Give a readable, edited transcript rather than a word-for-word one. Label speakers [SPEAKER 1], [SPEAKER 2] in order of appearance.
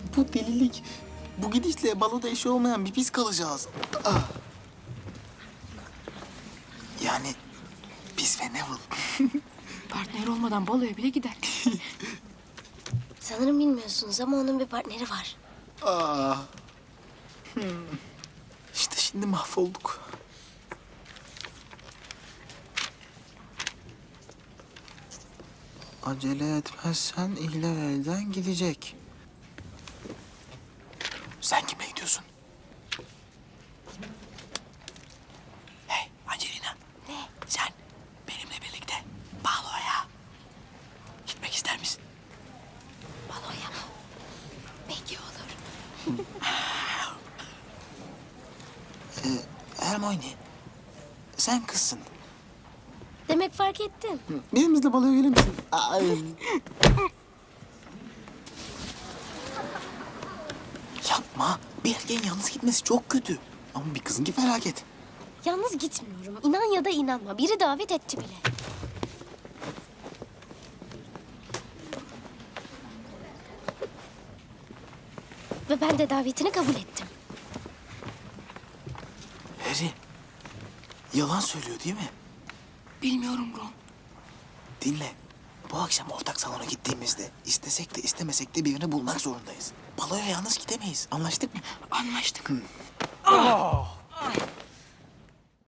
[SPEAKER 1] Bu delilik. Bu gidişle baloda eşi olmayan bir biz kalacağız. Ah. Yani biz ve Neville.
[SPEAKER 2] Partner olmadan baloya bile gider.
[SPEAKER 3] Sanırım bilmiyorsunuz ama onun bir partneri var.
[SPEAKER 1] Aa. İşte şimdi mahvolduk. Acele etmezsen ihler elden gidecek. Sen kimle gidiyorsun? Hey Angelina.
[SPEAKER 3] Ne?
[SPEAKER 1] Sen benimle birlikte baloya gitmek ister misin?
[SPEAKER 3] Baloya mı? Peki olur.
[SPEAKER 1] Hermione, sen kızsın.
[SPEAKER 3] Demek fark ettin.
[SPEAKER 1] Benimle baloya gelir misin? Ay. Yapma. Bir erkeğin yalnız gitmesi çok kötü. Ama bir kızınki felaket.
[SPEAKER 3] Yalnız gitmiyorum. İnan ya da inanma. Biri davet etti bile. Ve ben de davetini kabul ettim.
[SPEAKER 1] Harry, yalan söylüyor değil mi?
[SPEAKER 2] Bilmiyorum Ron.
[SPEAKER 1] Dinle. Bu akşam ortak salona gittiğimizde istesek de istemesek de birini bulmak zorundayız. Baloya yalnız gidemeyiz. Anlaştık mı?
[SPEAKER 2] Anlaştık.